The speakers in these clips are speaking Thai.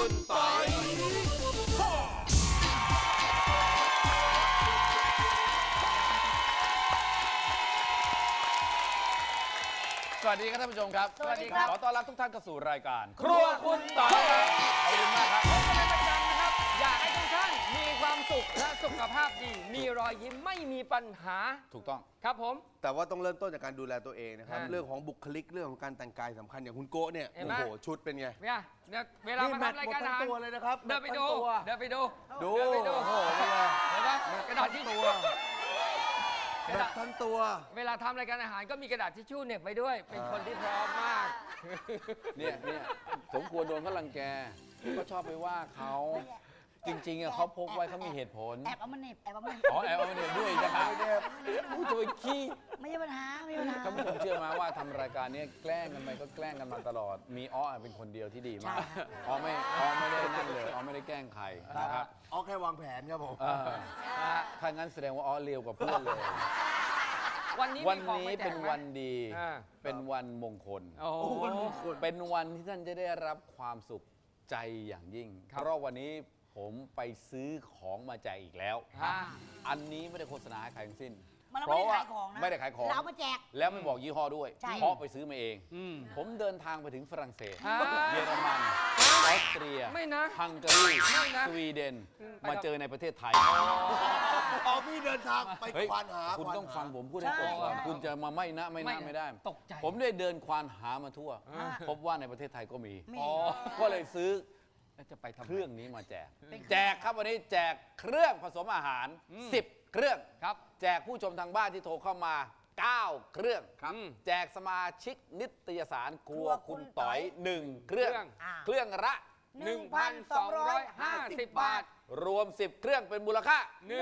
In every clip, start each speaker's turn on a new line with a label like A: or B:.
A: คุณปอยสวัสดีครับท่านผู้ชมครับสวัสดีครับขอต้อนรับทุกท่านเข้าสู่รายการครัวคุณปอยขอบคุณมากครับ
B: พบกันเป็นประจำนะครับอยากให้ทุกท่านมีความสุขและสุขภาพดีมีรอยยิ้มไม่มีปัญหา
A: ถูกต้อง
B: ครับผม
C: แต่ว่าต้องเริ่มต้นจากการดูแลตัวเองนะครับเรื่องของบุคลิกเรื่องของการแต่งกายสำคัญอย่างคุณโก้เนี่ยโอ้โหชุดเป็นไง
B: เนี่ยเวลามาทำรายการอาหาร
C: ตัวเลยนะครับ
B: เดินไปดูเดินไปดู
C: ดู
B: เดินไปดู
C: โอ้โห
B: เห็นไหมกระดาษทิชชู่
C: แบบทั้งตัว
B: เวลาทำรายการอาหารก็มีกระดาษทิชชู่เหน็บไปด้วยเป็นคนที่พร้อมมาก
A: เนี่ยสมควรโดนเขารังแกก็ชอบไปว่าเขาจริงๆเขาพกไว้เขามีเหตุผล
D: แอบเอามาเหน็บแอบเอามาเหน็บ
A: อ๋อแอบเอาเนี่ยด้วยจะหาผู้จะไปขี้
D: ไม่ใช่ปัญหาไม่ใช่ปัญหา
A: ท่านผู้ชมเชื่อไหมว่าทำรายการนี้แกล้งกันไปก็แกล้งกันมาตลอดมีอ้อเป็นคนเดียวที่ดีมากอ้อไม่ได้นั่นเลยอ้อไม่ได้แกล้งใครนะครับ
C: เอาแค่วางแผนครับผม
A: ถ้างั้นแสดงว่าอ้อเลวกว่าเพื่อนเลย
B: วันนี้
A: วันนี้เป็นวันดี เป็นวันมงคล
B: โอ้
A: เป็นวันที่ท่านจะได้รับความสุขใจอย่างยิ่ง เพราะวันนี้ผมไปซื้อของมาแจกอีกแล้ว อันนี้ไม่ได้โฆษณาให้ใครทั้งสิ้น
D: มัน
A: เพราะว่า
D: ไม่
A: ไม่
D: ได้
A: ได้
D: ขา
A: ขาย ย
D: ข
A: ข
D: อ
A: อง ง
D: เรามาแจก
A: แล้วไม่บอกยี่ห้อด้วย
D: ใช่
A: เพราะไปซื้อมาเอง ผมเดินทางไปถึงฝรั่งเศส เยอรมันออสเตรีย
B: ไม่นะ
A: ฮังการี
B: ไม่นะ
A: สวีเดน มาเจอในประเทศไทย
C: เอาพี่เดินทางไป
A: เฮ้ย
C: ควานหา
A: คุณต้องฟังผมพูดให้ตรงก่อนคุณจะมาไม่ได้
B: ตกใจ
A: ผมได้เดินควานหามาทั่ว พบว่าในประเทศไทยก็มี
D: มี
A: ก็เลยซื้อ
B: แล้วจะไปทำไม
A: เครื่องนี้มาแจก แจกครับวันนี้แจกเครื่องผสมอาหาร 10 เครื่อง
B: ครับ
A: แจกผู้ชมทางบ้านที่โทรเข้ามา 9 เครื่อง แจกสมาชิกนิตยสารครัวคุณต๋อย 1 เครื่อง เครื่องละ
B: 1,250 บาท
A: รวม 10 เครื่องเป็นมูลค่า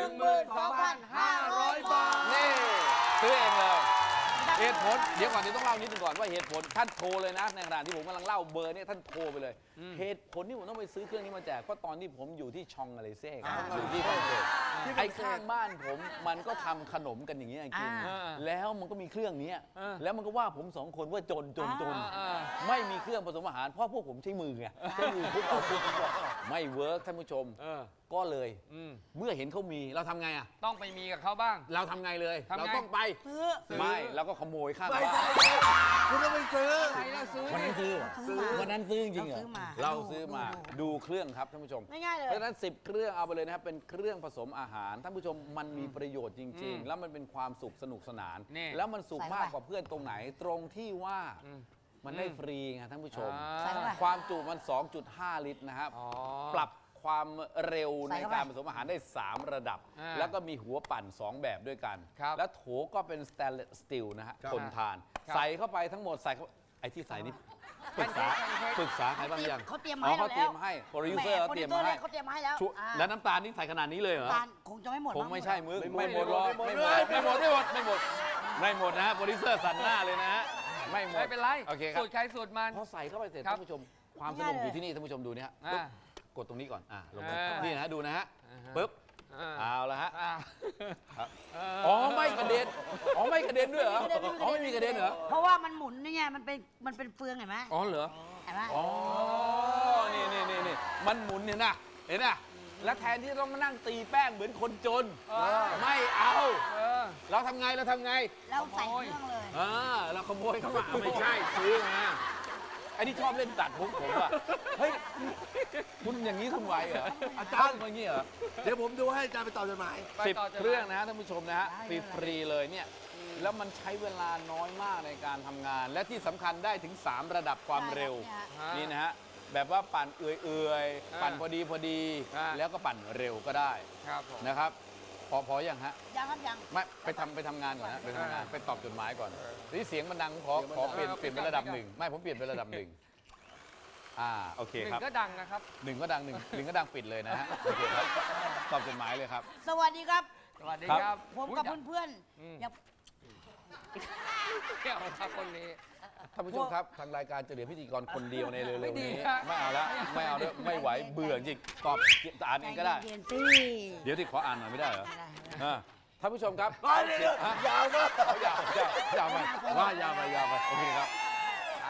B: 12,500 บาท
A: นี่ซื้อเองเลยเหตุผลเดี๋ยวก่อนต้องเล่านิดนึงก่อนว่าเหตุผลท่านโทรเลยนะในขณะที่ผมกำลังเล่าเบอร์เนี่ยท่านโทรไปเลย เหตุผลที่ผมต้องไปซื้อเครื่องนี้มาแจกเพราะตอนที่ผมอยู่ที่ชองอะไรเซ่อยู่ที่ฝรั่งเศสไอ้ข้างบ้านผมมันก็ทำขนมกันอย่างนี้กินแล้วมันก็มีเครื่องนี้แล้วมันก็ว่าผมสองคนว่าจนไม่มีเครื่องผสมอาหารเพราะพวกผมใช้มือไงใช้มือคุกเอาคุกไม่เวิร์กท่านผู้ชมก็เลยเมื่อเห็นเขามีเราทำไงอ่ะ
B: ต้องไปมีกับเขาบ้าง
A: เราทำไงเลย
B: ทำไง
A: เราต้องไป
D: ซื้อ
A: ไม่เราก็ขโมยข้าง
C: ไม่
A: บ้า
C: ใช่
A: น
C: คุณต้องไปซื้อ
B: ใครเราซื้อ
A: วันนั้นซื้อ
D: ซื้อมา
A: วันนั้นซื้อจริงๆเหรอ
D: เราซื้อมา
A: เราซื้อมาดูเครื่องครับท่านผู้ชม
D: ง่ายๆเลย
A: เพราะฉะนั้น10 เครื่องเอาไปเลยนะครับเป็นเครื่องผสมอาหารท่านผู้ชมมันมีประโยชน์จริง ๆ แล้วมันเป็นความสุขสนุกสนาน
B: นี่
A: แล้วมันสุข
D: ใส่
A: มาก
D: เข้าไป
A: กว่าเพื่อนตรงไหนตรงที่ว่ามันได้ฟรีไงท่านผู้ชม
D: ใส่เข้าไป
A: ความจุมัน 2.5 ลิตรนะครับ
B: อ๋อ
A: ปรับความเร็ว
D: ใส่
A: ใน
D: เข้าไป
A: การผสมอาหารได้ 3 ระดับ แล้วก็มีหัวปั่น 2 แบบด้วยกัน
B: ครับ
A: แล้วโถก็เป็นสแตนเลสสตีลนะฮะทนทาน
B: ครับ
A: ใส่เข้าไปทั้งหมดใส่เข้าไอ้ที่ใส่นี่ปรึกษาใครบ้างยัง
D: เขาเตรียมมา
A: อ๋อ
D: ให้
A: เขา
D: เรา
A: เตรี
D: แล้
A: ยว มให้โปรดิวเซอร์เขาเตรียมมาให้
D: เขาเตรียมมาให้แล้ว
A: แล้วน้ำตาลนี่ใส่ขนาดนี้เลยเหรอ
D: ตาลคงจะไม่หมด
A: คงไม่ใช่มึง
C: ไม่
A: ไม่ห
C: ห
A: ม
C: ม
A: ด
C: ด
A: หรอก
C: ไม่
A: ไม่
C: ห
A: ห
C: ม
A: ม
C: ด
A: ดไม่หมดนะฮะโปรดิวเซอร์สั่นหน้าเลยนะฮะไม่หมด
B: ไม่เป็นไร
A: โอเคครับ
B: สูตรใครสูตรมัน
A: พอใส่เข้าไปเสร็จ
B: ครับ
A: ท่านผู้ชมความสนุกอยู่ที่นี่ท่านผู้ชมดูนี่ฮะ
B: อ่า
A: กดตรงนี้ก่อนลงไป
B: อ่านี่
A: นี่นะฮะดูนะฮะ
B: อ่าฮะ
A: ปึ๊บ
B: อ่า
A: เอาละฮะ
B: อ่า
A: อ๋อไม่กระเด็นอ๋อไม่กระเด็นด้วยเหรออ๋อไม่มีกระเด็นเหรอ
D: เพราะว่ามันหมุนนี่ไงมันเป็นเฟืองเห็นไหม
A: อ๋อเหรอ
D: เห็นไหม
A: อ๋อนี่มันหมุนเห็นนะแล้วแทนที่จะต้องมานั่งตีแป้งเหมือนคนจนไม่เอา เราทำไง
D: เราใส่เครื่องเลย
A: เราขโมยเข้ามาไม่ใช่ซื้อมาไอ้นี่ชอบเล่นตัดผมอ่ะเฮ้ยคุณอย่างนี้คุณไหวเหรออาจารย์อย่างนี้เหรอ
C: เดี๋ยวผมดูให้อาจารย์ไปตอบจดหมาย
A: 10 เครื่องนะฮะท่านผู้ชมนะฮะฟรีๆเลยเนี่ยแล้วมันใช้เวลาน้อยมากในการทำงาน และที่สำคัญได้ถึง 3 ระดับความเร็ว นี่นะฮะแบบว่าปั่นเอื่อยๆปั่นพอดีแล้วก็ปั่นเร็วก็ได้
B: ครับผม
A: นะครับพออย่างฮะ
D: ยังครับยัง
A: ไม่ไปทำงานก่อนนะไปทำงานไปตอบจดหมายก่อนนี่เสียงมันดังขอเปลี่ยนเป็นระดับหนึ่งไม่ผมเปลี่ยนเป็นระดับหนึ่งโอเค
B: หนึ่
A: ครับ
B: งก็ดังนะครับ
A: หนึ่งก็ดังหนึ่งก็ดังปิดเลยนะฮะโอเคครับตอบจดหมายเลยครับ
D: สวัสดีครับ
B: สวัสดีครับ
D: ผมกับเพื่อนๆอย่า
B: เที่ยวครับคนนี้
A: ท่านผู้ชมครับทางรายการจะเหลือพิธีกรคนเดียวในเร็ว
B: ไม่
A: ๆ
B: ดี
A: นี้
B: ฮะ
A: ไม่เอาแล้วไม่เอาแล้วไม่ไหวเบื่อจริงตอบอ่านเองก็ได้
D: ใจเย็นๆสิ
A: เดี๋ยวที่ขออ่านหน่อยไม่ได้เหรอ
D: ไม่ได้
A: ท่านผู้ชมครับ
C: เดี๋ยวยาวมาก
A: ยาวไปว่ายาวไปโอเคครับ
B: ใช่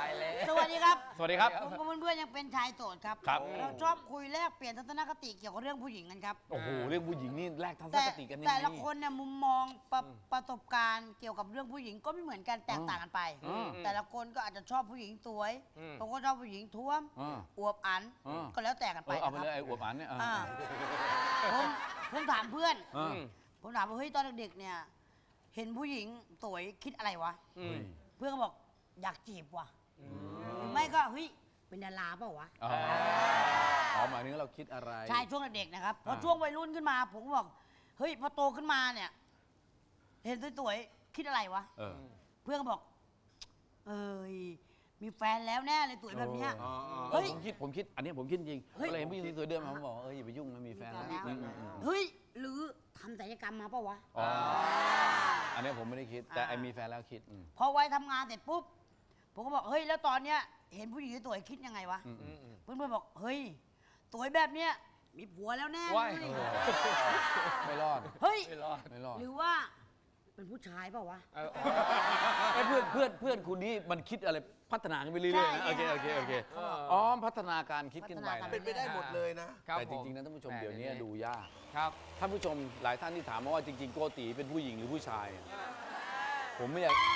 B: ายแล้ว
D: สวัสดีครับ
A: สวัสดีครับ
D: ผมกับเพื่อนๆยังเป็นชายโสดครับ
A: ครับ
D: เราชอบคุยแลกเปลี่ยนทัศนคติเกี่ยวกับเรื่องผู้หญิงกันครับ
A: โอ้โหเรื่องผู้หญิงนี่แลกทัศน
D: แต่
A: คติกันยังไง
D: แต่ละคนเนี่ยมุมมองประสบการณ์เกี่ยวกับเรื่องผู้หญิงก็ไม่เหมือนกันแตกต่างกันไป แต่ละคนก็อาจจะชอบผู้หญิงสวยบางคนชอบผู้หญิงท้วม
A: อ่า
D: อวบอัน
A: อ่า
D: ก็แล้วแต่กันไป
A: เอาไป
D: นะ
A: เลย
D: ค
A: ไอ้
D: รับ
A: อวบอันเนี่ย
D: อ่าผมถามเพื่อน
A: อ่า
D: ผมถามว่าเฮ้ยตอนเด็กๆเนี่ยเห็นผู้หญิงสวยคิดอะไรวะ เพื่อนก็บอกอยากจีบว่ะหรือไม่ก็เฮ้ยเป็นดาราเปล่าวะ
A: อ๋อหมายถึงเราคิดอะไร
D: ใช่ช่วงเด็กๆนะครับพอ
A: อ่า
D: ช่วงวัยรุ่นขึ้นมา ผมก็บอกเฮ้ยพอโตขึ้นมาเนี่ย เห็นสวยๆคิดอะไรวะ
A: เออ
D: เพื่อนก็บอก เอ้ยมีแฟนแล้วแน่เลยสวยแบบเนี้ย
A: เฮ้ยผมคิดอันนี้ผมคิดจริง
D: เฮ้ย
A: ก็เลยเห็นผู้หญิงสวยๆเดินมาผมบอกอย่าไปยุ่งมันมีแฟนแล้ว
D: เฮ้ยหรือทำศัลยกรรมมาเปล่าวะ
A: อ๋ออันนี้ผมไม่ได้คิดแต่ไอ้มีแฟนแล้วคิด
D: พอวัยทำงานเสร็จปุ๊บผมก็บอกเฮ้ยแล้วตอนเนี้ยเห็นผู้หญิงสวยคิดยังไงวะเพื่อนๆบอกเฮ้ยสวยแบบเนี้ยมีผัวแล้วแน่เล
B: ว้าย
D: ย
A: ไม่รอด
D: เฮ้ย
B: ไม่รอด
A: ไม่รอด
D: หรือว่าเป็นผู้ชายเปล่าวะ
A: ไอ้เพื่อนคุณนี่มันคิดอะไรพัฒนาขึ้นไปเรื่อยๆนะ
D: ใช่
A: โอเคอ๋อพัฒนาการคิดขึ้นไป
D: พัฒนาการ
A: นะ
C: เป็นไปได้หมดเลยนะ
B: ครับ
A: แต่จริงๆนะท่านผู้ชม
B: แห
A: เดี๋ยวนี้ดูยาก
B: ครับ
A: ท่านผู้ชมหลายท่านที่ถามมาว่าจริงๆโกติเป็นผู้หญิงหรือผู้ชาย ผมไม่อยาก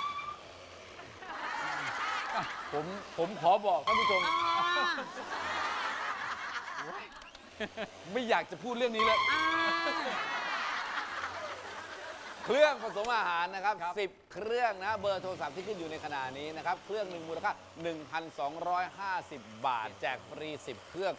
A: ผมขอบอกท่านผู้ชม ไม่อยากจะพูดเรื่องนี้เลย เครื่องผสมอาหารนะครับ 10 เครื่องนะเบอร์โทรศัพท์ที่ขึ้นอยู่ในขณะนี้นะครับ เครื่องหนึ่งมูลค่า 1,250 บาท แจกฟรี 10 เครื่อง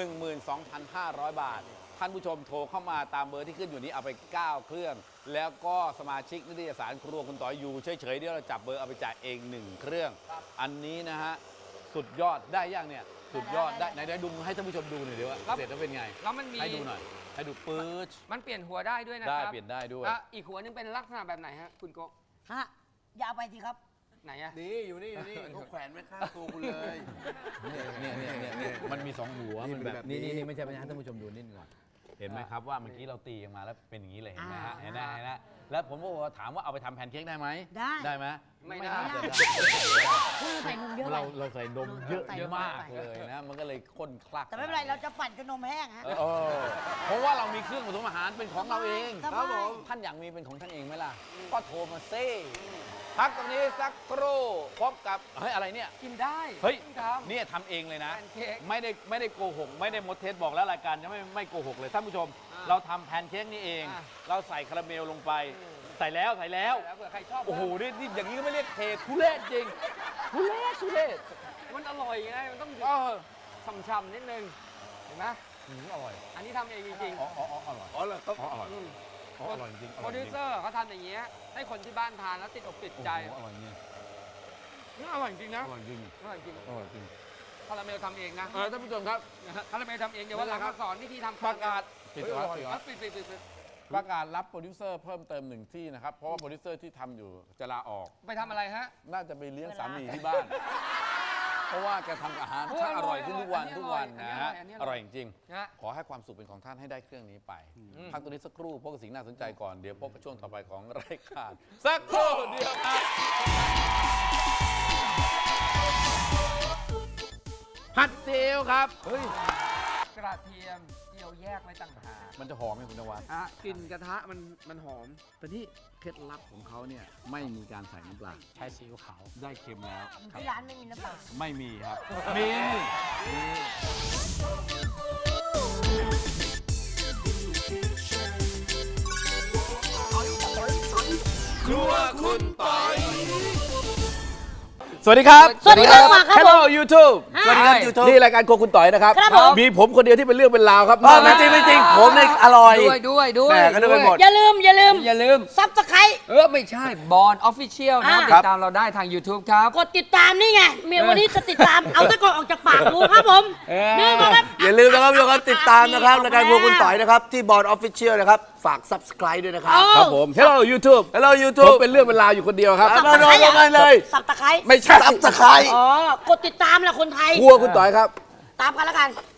A: 12,500 บาท ท่านผู้ชมโทรเข้ามาตามเบอร์ที่ขึ้นอยู่นี้เอาไป 9 เครื่อง แล้วก็สมาชิกนิตยสารครัวคุณต่อยอยู่เฉยๆเดี๋ยวเราจับเบอร์เอาไปจ่ายเอง 1 เครื่อง อันนี้นะฮะสุดยอดได้ยังเนี่ยสุดยอดได้ไหนดูให้ท่านผู้ชมดูหน่อยเดี๋ยวว่าเสร็จแล้วเป็นไง
B: แล้วมันมี
A: ให้ดูหน่อยให้ดูปื๊ด
B: มันเปลี่ยนหัวได้ด้วยนะค
A: ได้
B: รับ
A: เปลี่ยนได้ด้วย
B: อ่ะอีกหัวนึงเป็นลักษณะแบบไหนฮะคุณโกะ
D: ฮะอย่าเอาไปสิครับ
B: ไหนอะ
C: นี่อยู่นี่เขาแขวนไว้ข้างตัวคุณเลย
A: เนี่ยมันมี 2 หัว
C: นี่
A: มัน
C: เป็น
A: แบ
C: แบบ บ
A: นี่
C: นี้
A: ไม่ใช่ให้ท่านผู้ชมดูนิดหนึงก่อนเห็นไหมครับว่าเมื่อกี้เราตีกันมาแล้วเป็นอย่างนี้เลยเห็นไหมฮะเห็นไหมแล้วผมก็ถามว่าเอาไปทำแพนเค้กได้ไหม
D: ได้
A: ไหม
B: ไม่ได้
A: น่าจะ
D: เพื่อใส่นมเยอะไป
A: เราใส่นมเยอะ
D: ใส่เยอะ
A: มาก
D: ไป
A: เลยนะมันก็เลยข้นคลัก
D: แต่ไม่เป็นไรเราจะปั่นจนนมแห้งฮะ
A: เพราะว่าเรามีเครื่องผสมอาหารเป็นของเราเอง
D: สบาย
A: ท่านอยากมีเป็นของท่านเองไหมล่ะก็โทรมาเซ่พักตรงนี้สักครู่พบกับเฮ้ยอะไรเนี่ย
B: กินได้
A: เฮ้ย
B: ทำ
A: เนี่ยทำเองเลยนะ
B: แพนเค้ก
A: ไม่ได้โกหก ไม่ได้มดเทสบอกแล้วรายการจะไม่โกหกเลยท่านผู้ชม เราทำแพนเค้กนี่เอง เราใส่คาราเมลลงไป ใส่แล้ว
B: แล้วเผื่อใครชอบ
A: โอ้โหนี่อย่างนี้ก็ไม่เรียกเททุเรศจริงทุเรศ
B: มันอร่อยไงมันต้อง
A: เออ
B: ช่ำๆนิดนึงเห็นไหม
A: อร่อย
B: อันนี้ทำเองจริง
A: อ๋ออร่อย
C: อ๋อเหรอครับ
A: อร่อยอร่อยจริง
B: ๆโปรดิวเซอร์เขาทำอย่างเงี้ยให้คนที่บ้านทานแล้วติดอกติดใจ
A: อร่อยจริง
B: นี่อร่อยจริงนะ
A: อร่อยจริง
B: อร่อยจริง
A: อร่อยจริง
B: คาราเมลทำเองนะ
A: ท่านผู้ชมครับ
B: คาราเมลทำเองเดี๋ยววันหลัง
A: ครั
B: มา
A: บ
B: สอนวิธีทำ
A: ประกาศ
B: ปิด
A: ประกาศรับโปรดิวเซอร์เพิ่มเติม1 ที่นะครับ เพราะว่าโปรดิวเซอร์ที่ทำอยู่จะลาออก
B: ไปทำอะไรฮะ
A: น่าจะไปเลี้ยงสามีที่บ้าน เพราะว่าแกทำอาหารช่างอร่อยขึ้นทุกวัน
B: อันนี้
A: ทุกวัน
B: อร่อย
A: นะฮะ
B: อันนี้อ
A: อ
B: ร่
A: ร่
B: อ
A: อย ยจริง
B: นะ
A: ๆขอให้ความสุขเป็นของท่านให้ได้เครื่องนี้ไป พักตัวนี้สักครู่พบกับสิ่งน่าสนใจก่อน เดี๋ยวพบกับช่วงต่อไปของรายการสักครู่เดียวครับผัดซีอิ๊วครับ
B: กระเทียมเจียวแยกไว้ต่างหาก
A: มันจะหอมไหมคุณนวัด
B: กลิ่นกระทะมันหอม
A: แต่ที่เคล็ดลับของเขาเนี่ยไม่มีการใส่น้ำปลา
B: ใช้ซีอิ๊วขาว
A: ได้เค็มแล้ว
D: ที่ร้านไม่มีน้ำปลา
A: ไม่มีครับ มี ครัวคุณปอยสวัสดีครับ
D: สวัสดีครับมาครับ
A: Hello YouTube
C: สวัสดีครับ YouTube
A: นี่รายการโครัวคุณต่อยนะครับ
D: ครับผม
A: มีผมคนเดียวที่เป็นเรื่องเป็นราวครับ
C: ไม่จริงไม่จริงผมเนี่ยอร่อย
B: ด้วย
C: แหม่ก็นึกไปหมด
D: อย่าลืม ซับสไครต์
B: ไม่ใช่บอลออฟฟิเชียลนะ
D: อ่า
B: ติดตามเราได้ทาง YouTube ครับ
D: กดติดตามนี่ไงเมียวันนี้จะติดตาม เอาตะกอนออกจากปากดูครับผมนี่มาครับ
C: อย่าลืมนะครับทุกคนติดตามนะครับรายการพวกคุณต่อยนะครับ ที่บอร์ดออฟฟิเชียลนะครับ ฝาก subscribe ด้วยนะครับ
A: ครับผม Hello YouTube
C: Hello
A: ผม
C: YouTube
A: เป็นเรื่องเป็นราวอยู่คนเดียวครับ
C: มาลงกันเลย
D: สับตะไคร้
A: ไม่ใช่
C: subscribe
D: อ๋อ กดติดตามแหละคนไทย
A: ครัวคุณต่อยครับ
D: ตามกันแล้วกัน